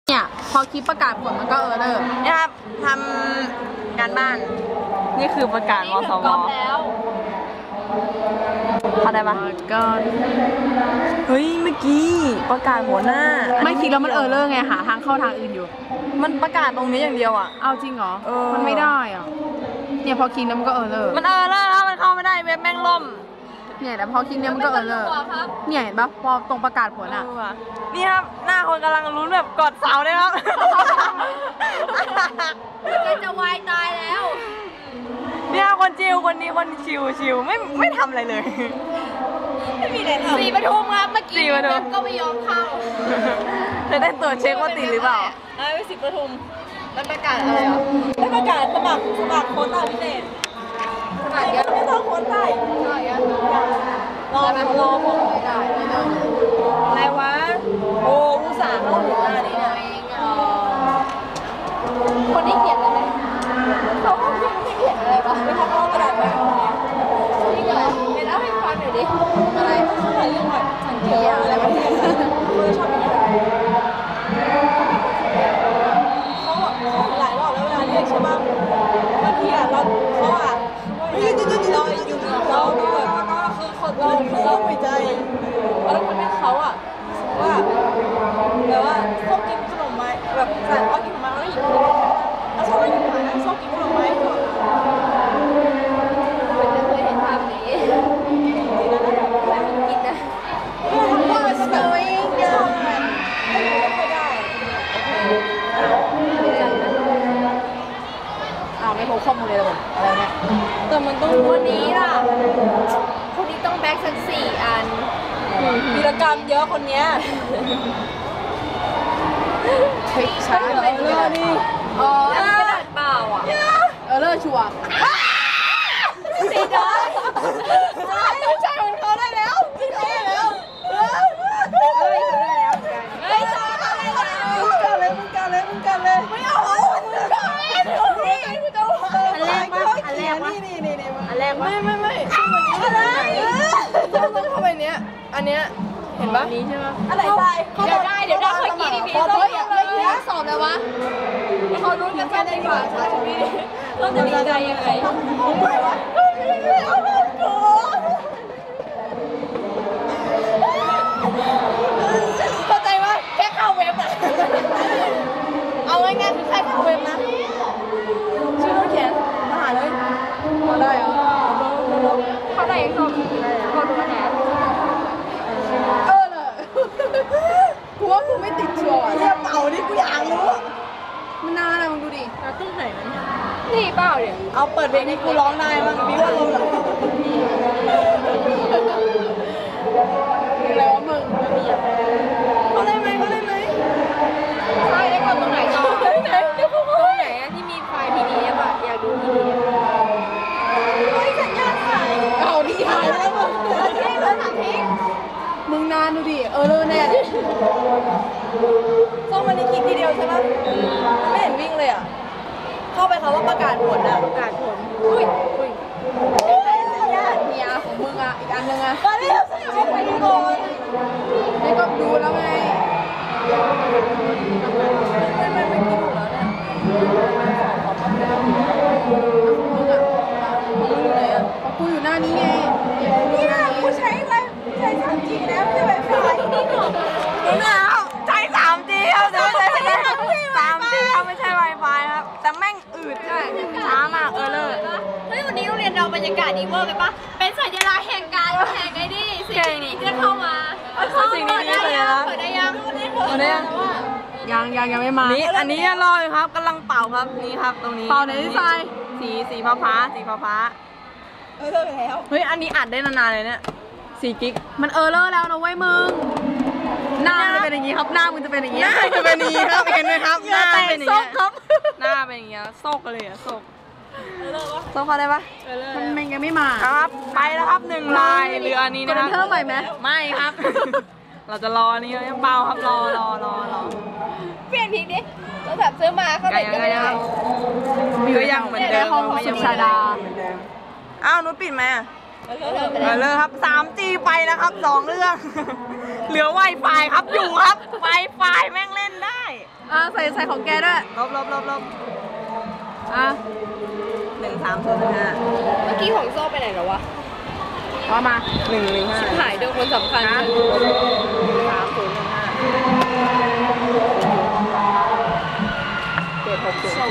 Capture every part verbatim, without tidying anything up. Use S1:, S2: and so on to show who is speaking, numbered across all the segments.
S1: เนี่ยพอคลิปประกาศผลมันก็เออเลิก
S2: นี่ครับทำการบ้านนี่คือประกาศมสวแล้วเข้าได้ปะก็เฮ้ยเมื่อกี้ประกาศหัวหน้า
S1: ไม่คิดแล้วมันเออเลิกไงหาทางเข้าทางอื่นอยู่
S2: มันประกาศตรงนี้อย่างเดียวอ่ะ
S1: เอาจริงเหรอมันไม่ได้อ่ะเนี่ยพอคิดแล้วมันก็เออเลิก
S2: มันเออเลิกแล้วมันเข้าไม่ได้เว็บแม่งล่ม
S1: เนี่ยแต่พอคิดเนี่ยมันก็เออเลิกเนี่ยเห็นปะพอตรงประกาศผลอ่ะ
S2: นี่ครับหน้าคนกำลังลุ้นแบบกอดเสาเลยครับ
S3: ก็จะวายตายแล้ว
S2: เนี่ยคนชิวคนนี้คนชิวชิวไม่ไม่ทำอะไรเลยไม่มีอะไรทำ
S3: สีปทุมครับเมื่อกี้ก็ไม่ยอมเข้า
S2: จะได้ตรวจเช็คว่าติดหรือเปล่า
S3: ไอ้สีปทุมมันประกาศอะไรอ่ะ
S2: ไม่ประกาศสมัครสมัครโค้ชพิเศษ
S3: สมัครเยอะ
S2: ไม่ต้องโค้ชใต้รอรอผม
S3: ไม่ได้ไม่ได้
S2: อะไรวะโอ้อุตส่าห์เข้าถึงหน้านี้เนี่ย
S3: คนที่เขียนอะไรเขาไม่เขียนอะไรวะ
S2: ไม่ทำเอากระดาษไป
S3: นี่เหรอเป็นเอาให้ฟังหน่อยดิ
S2: อะไรอะไรเรื่องแบบสังเกตอะไรแบบนี้เขาชอบอย่างนี้เขาแบบเขาหลายรอบแล้วเวลาเรียกใช่ป่ะบางทีอ่ะเราเขาอ่ะยืดยืดยืดเราอยู่เราแบบก็คือคนเราเราไม่ใจแล้วคนเป็นเขาอ่ะว่าแบบว่าชอบกินขนมไม้แบบสั่งเขากินขนมไม้แล้วหยิบแล้วชอบหยิบไม้ชอบกินขนมไม้ก่อน
S3: ไม่เคยเห็นภาพนี้กินนะ
S2: ทำว่าสตอรี่เยอะไม่ค่อยได้อ้าวไม่พบข้อมูลเลยหรออะไรเนี่ยแต่มันต้อง
S3: วันนี้ล่ะคนนี้ต้องแบ็คสักสี่อัน
S2: วีรกรรมเยอะคนเนี้ย
S1: เฮ้ยช้าเหรอ
S2: เออเลอร์นี่
S3: อ๋อกระดาษเปล่าอ่ะ
S1: เออเลอร์ชัวร์
S3: สีดอย
S2: ไม่ใช่ของเขาได้แล้วจริงได้แล้วเฮ้ยเขาได้แล้ว
S3: เฮ้ยจ้าอะไรกัน
S2: มึงกันเลยมึงกันเลยมึงกันเลยไม่เอามึงกันนี่กูจะ
S3: อันแรกมั้ยอันแรกมั้ย
S2: นี่นี่นี่
S3: อันแรกมั้
S2: ยไม่ไม่ไม่ชื่อวันนี้อะไรต้องต้องเข้าไปเนี้ยอันเนี้ยเห็นปะ
S3: นี้ใช่ไหม
S2: อะไรไป
S3: เดี๋ยวได้เดี๋ยวได้ค่อยกินอีพีส้ม
S1: เฮ้ยเมื่อกี้สอบเลยวะ
S3: เขารู้กันแค่ในฝันใช่ไหมเราจะดีใจยังไง
S2: เข้าใจว่าแค่เข้าเว็บอะเอาง่ายๆคือแค่เข้าเว็บนะชื่อต้องเขียนมาหาเลยมาได้เหรอ
S3: เขาได้ส้มเขาดูแหน
S2: เออเลยกูว่ากูไม่ติดชัวร์เรียบเต่านี่กูอยากรู้
S1: มันนานอะมึงดูดิ
S2: เราต้องไหนนะเนี่ย
S3: นี่เปล่าเนี่ย
S2: เอาเปิดเพลงนี้กูร้องได้บ้างพี่ว่ารู้เหรอ
S1: แล้วมึง
S2: เขาได้ไหมเขาได้ไหม
S3: ใช่ได้ก่อนตรงไหนต่อตรงไหนตรงไหนอะที่มีไฟล์ พี ดี เอฟ อะอยากดู พี ดี เอฟ
S2: เฮ้ยสัญญาณหายเอาดีหายแล้วมึง
S3: ทิ้งเลยค่ะทิ้ง
S1: มึงนานดูดิเออเลอแน่เลย
S2: ต้องวันนี้คลิกทีเดียวใช่ไหมไม่เห็นวิ่งเลยอ่ะเข้าไปเขาว่าประกาศผลอ่ะ
S1: ประกาศผล
S2: อุ้ยอุ้ย
S1: สัญญาณเนี่ยของมึงอ่ะอีกอันนึงอ่ะ
S2: มาเร็วสิเอาไปดูก่อน
S1: นี่ก็ดูแล้วไง
S2: ไม่ไม่ไม่คิดดูแล้วเนี่ย
S1: มึงอ่ะมึงอยู่ไหนอ่ะกูอยู่หน้านี้ไง
S2: เนี่ยกูใช้ไวใช้ ทรี จี แล้วไม่ใช่ไวไฟนี่หนูเอาใช้ ทรี จี ครับแต่ไม่ใช่ ทรี จี ครับไม่ใช่ไวไฟครับแต่แม่งอืดใช่ช้ามากเออเลย
S3: เฮ้ยวันนี้โรงเรียนเราบรรยากาศดีเวอร์ไปปะเป็นสัญลักษณ์แห่งการแห่งไอ้นี่สิ่งดีๆจะเข้ามา
S2: สิ่งดีๆเลยนะ
S3: เปิดได้ยังเปิดได้
S2: ยัง
S1: ยังยังยังไม่มา
S2: นี่อันนี้รออยู่ครับกำลังเป่าครับนี่ครับตรงนี้
S1: เป่าไหนที่ทราย
S2: สีสีฟ้าฟ้าสีฟ้าฟ้าเออแล้วเฮ้ยอันนี้อัดได้นานๆเลยเนี่ยสี่กิก
S1: มันเออเลอร์แล้วนะเว้ยมึง
S2: หน้าจะเป็นอย่างนี้ครับหน้ามึงจะเป็นอย่างนี้หน้าจะเป็นอย่างนี้ครับเห็นไหมครับหน้าเป็นอย่างนี้ครับหน้าเป็นอย่างนี้โซกเลยอะโซกโซกเขาได้ปะ
S1: มันมันยังไม่มา
S2: ครับไปแล้วครับหนึ่งลายเรือนี้นะครับ
S1: เพิ่มใหม่ไหม
S2: ไม่ครับเราจะรอนี่ยังเปล่าครับรอรอรอรอ
S3: เปลี่ยนทีนี้เราแบบซื้อมาเขาติดกันเลย
S2: ก็ยังเหมือนเดิม
S1: ไม่ยังชาดา
S2: อ้าวนุชปิดไหมเออเลยครับ สาม จี ไปแล้วครับสองเรื่องเหลือ ไวไฟ ครับอยู่ครับ ไวไฟ แม่งเล่นได้
S1: อ่ะใส่ใส่ของแกด้วย
S2: ลบลบลบลบ
S1: อ่ะ
S2: หนึ่งสามศูนย์หนึ่งห้า
S3: เมื่อกี้ของโซ่ไปไหนแล้ววะ
S1: ว่ามา
S2: หนึ่งหนึ่งห้า
S3: หายโดนคนสำคัญ
S2: สามศูนย์หนึ่งห้าเจ็ดหกศูนย์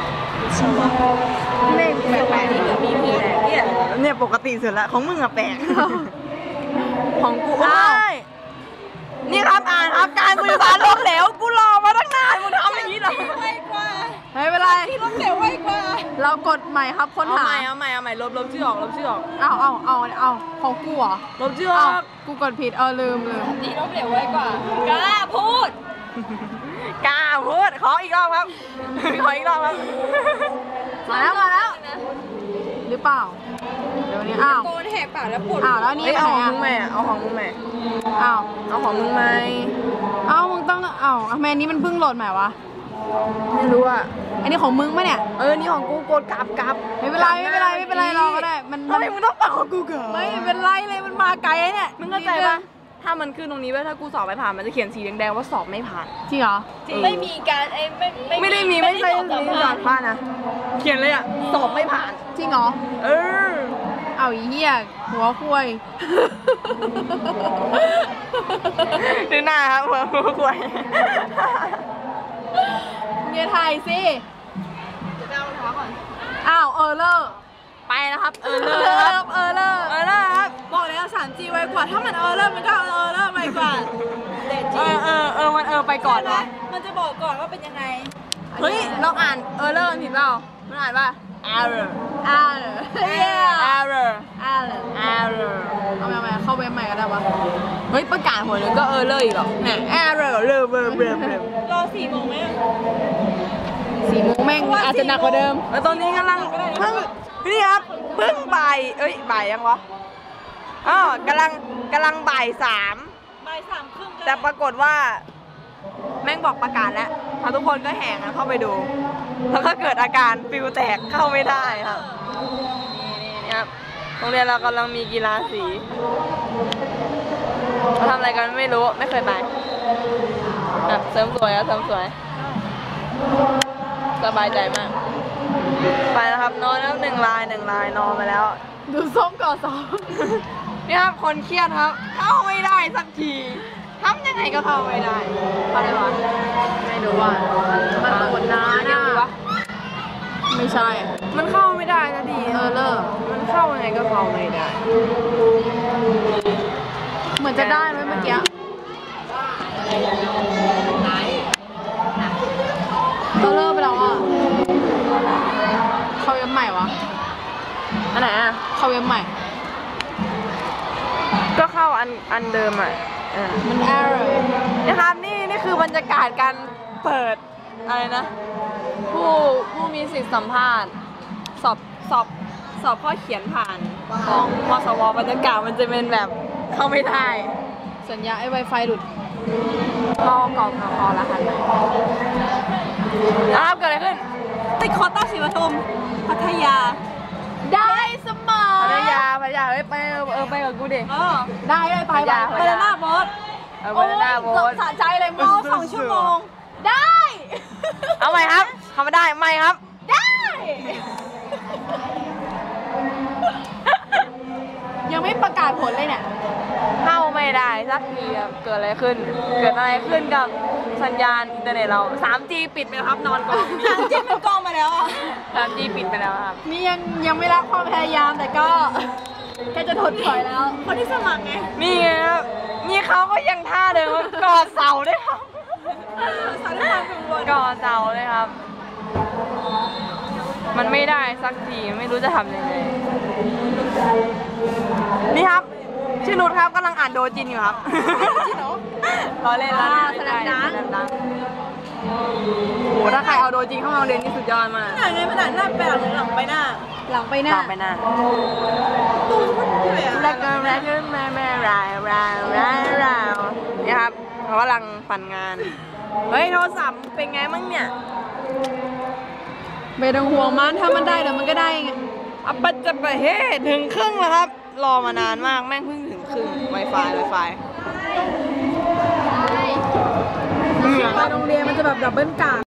S1: เลขแปลก
S3: นี่เหมือนมีเพื่อน
S2: เนี่ยเนี่ยปกติสุดละของมึงอะแปลก ของกู
S1: ๆอ้าว
S2: นี่ครับอ่านครับการสื่อสารล้มเหลวกูรอมาตั้งนานมึงทำอย่างนี้เหรอ
S3: ไวกว่า
S1: ไม่เป็นไร
S3: ที่ล้มเหลวไวกว่า
S1: เรากดใหม่ครับค้น
S2: เอา
S1: หา
S2: ใหม่เอาใหม่เอาใหม่ลบลบชื่อออกลบชื่อออก
S1: เอาเอาเอาเอาของกูเหรอ
S2: ลบชื่ออ
S1: เอา
S2: อก
S1: กูกดผิดเออลืมลืม
S3: ที่ล้มเหลวไวกว่ากล้าพูด
S2: กล้าพูดขออีกรอบครับ ขออีกรอบครับ
S1: มาแล้วมาแล้ว หรือเปล่า เดี๋ยวนี้อ้าว
S3: โกนแหกปากแล้วปวด
S1: อ้าวแล้วนี่
S2: เฮ้ย
S1: ไป
S2: เอา
S1: ไหน
S2: ของ
S1: อ่ะ
S2: มึงแม่เอาของมึงแม่
S1: อ้าว
S2: เอาของมึงไหม
S1: อ้าวมึงต้องอ้าวทำไมอันนี้มันเพิ่งโหลดใหม่วะ
S2: ไม่รู้อ่ะ
S1: อันนี้ของมึงปะเนี่ย
S2: เออนี่ของกูกดกลับกลับ
S1: ไม่เป็นไรไม่เป็นไรไม่เป็นไรรอก็ได้ มัน
S2: ทำไมมึงต้องปักของกูเกิน
S1: ไม่เป็นไรเลยมันมาไกลเนี่ย
S2: มึงเข้าใจปะถ้ามันขึ้นตรงนี้ว่าถ้ากูสอบไม่ผ่านมันจะเขียนสีแดงๆว่าสอบไม่ผ่าน
S1: จริงเหรอ
S3: จริงไม่มีการไอ้ไม่
S2: ไม่ได้มีไม่ใช่
S3: ด้
S2: มี
S3: จ
S2: ส
S3: บ
S2: อบผ่านนะเขียนเลยอ่ะสอบไม่ผ่าน
S1: จริงเหรอ
S2: เออ
S1: เอาอีเหี้ยหัวคุย
S2: ดูหน้าครับหัวหัวควาย
S1: เงียถ่ายสิ
S3: จะไปเอารองเท้าก่อน
S1: อ้าวเออเลอร์
S2: ไปนะครับ เออ
S1: เอ
S2: เล
S1: อย เล
S2: ค
S1: อ
S2: รับ
S1: ร์เออเลอร์
S2: เออเลยครับ
S1: บอกแล้ว สามจี ไวกว่า ถ้ามันเออเลอร์มันก็เออเลอร์ไวกว่า
S2: เออเออเออมันเออไปก่อนนะ
S1: มันจะบอกก่อนว่าเป็นยังไง
S2: เฮ้ยเราอ่านเออเลอร์ผิดเปล่ามันอ่านว่า error
S1: อ่าเหรอเฮีย
S2: error
S1: อ่าเหรอ
S2: error
S1: เอาใหม่เอาใหม่เข้าเว็บใหม่ก็ได้วะ
S2: เฮ้ยประกาศหัวนึงก็เออเลอร์อีกเหรอเนี่ย error เลอเบอร์เบอร์เบอร์
S3: รอสี่โมงไหมอะ
S1: สี่โมงแม่งอาจจะหนักกว่าเดิม
S2: แล้วตอนนี้กำลังเพิ่งนี่ครับเพิ่งบ่ายเอ้ยบ่ายยังวะอ๋อกำลังกำลังบ่ายสาม
S3: บ่ายสามครึ่ง
S2: แต่ปรากฏว่า แม่งบอกประกาศแล้วพอทุกคนก็แห่กันเข้าไปดู แล้วก็เกิดอาการฟิวแตกเข้าไม่ได้ครับนี่ครับโรงเรียนเรากำลังมีกีฬาสีเราทำอะไรกันไม่รู้ไม่เคยไปอ่ะเสริมสวยครับเสริมสวยสบายใจมากไปแล้วครับนอนแล้วหนึ่งลายหนึ่งลายนอนมาแล้ว
S1: ดูส้มก่อนสอง
S2: นี่ครับคนเครียดครับ เข้าไม่ได้สักทีทำยังไงก็เข้าไม่ได้เข้าได้ปะ
S1: ไม่รู้ว่ามันโหลดนาน
S2: ยั
S1: อ่ะ
S2: งวะ
S1: ไม่ใช่
S2: มันเข้าไม่ได้สักที
S1: เออเลอร์
S2: มันเข้ายังไงก็เข้าไม่ได้
S1: เหมือนจะได้ไหมเมื่อกี้ก็เลิกไปแล้วอ่ะ เข้าเว็บใหม่วะ
S2: อันไหนอ่ะ
S1: เข้าเว็บใหม่
S2: ก็เข้าอันอันเดิมอ่ะอ่า
S1: มัน error
S2: นะครับนี่นี่คือบรรยากาศการเปิดอะไรนะ ผู้ผู้มีสิทธิสัมภาษณ์สอบสอบสอบข้อเขียนผ่านของมสวบรรยากาศมันจะเป็นแบบเข้าไม่ได้
S1: สัญญาไอ้ Wi-Fi หลุด
S2: ก็กรอกคอรหัสเลยนะครับเกิดอะไรขึ้น
S3: ติดคอต้าศรีปทุมพัทยา
S1: ได้เสมอ
S2: พัทยาพัทยาเอ้ยไปเออไปกับกูดิ
S3: เออ
S1: ได้ได้ไป
S2: พัทยา
S1: ไป
S3: ไปหน้าบอส
S2: เออไปหน้าโบส
S1: สะใจเลยมอสองชั่วโมง ได้
S2: เอาใหม่ครับทำไม่ได้ไม่ครับ
S1: ได้ ยังไม่ประกาศผลเลยเนี่ย
S2: เข้าไม่ได้สักทีครับเกิดอะไรขึ้น เกิดอะไรขึ้นกับสัญญาณอินเทอร์เน็ตเรา ทรีจี ปิดไปแล้วครับนอนกอง
S3: ทางจิ้มมันกล้องมาแล้วอ่ะ
S2: ทรีจี ปิดไปแล้วครับ
S1: นี่ยังยังไม่รักความพยายามแต่ก็ แค่จะถดถอยแล้ว
S3: คนที่สมัครไง
S2: นี่ไงครับนี่เขาก็ยังท่าเดิมครับกอดเสาด้วยครับ
S3: สารความกังวล
S2: กอดเสาเลยครับ มันไม่ได้สักทีไม่รู้จะทำยังไงนี่ครับชื่อนุชครับกำลังอ่านโดจินอยู่ครับจริงเหรอล้อเล่นล้อเล่นไม่ใช่
S1: แสดงดัง
S2: แสดงดังโหถ้าใครเอาโดจินเข้ามาโรงเรียนนี่สุดยอดมาก
S3: หน้าไงมันหน้าหน้าไปหลังหรือหลังไปหน้า
S1: หลังไปห
S2: ห
S1: น้า
S2: ลังไปหน้า
S3: ตู้มันเท่อะ
S2: แล้วก็แล้วก็แม่แม่รายรายรายรายนี่ครับเขากำลังปั่นงานเฮ้ยโทรศัพท์เป็นไงมั่งเนี่ย
S1: ไม่ต้องห่วงมันถ้ามันได้เดี๋ยวมันก็ได้ไง
S2: อัปปะจะไปเฮ้ถึงครึ่งแล้วครับ รอมานานมากแม่งเพิ่งถึงครึ่ง Wi-Fi Wi-Fi
S1: ไปโรงเรียนมันจะแบบดับเบิลกาก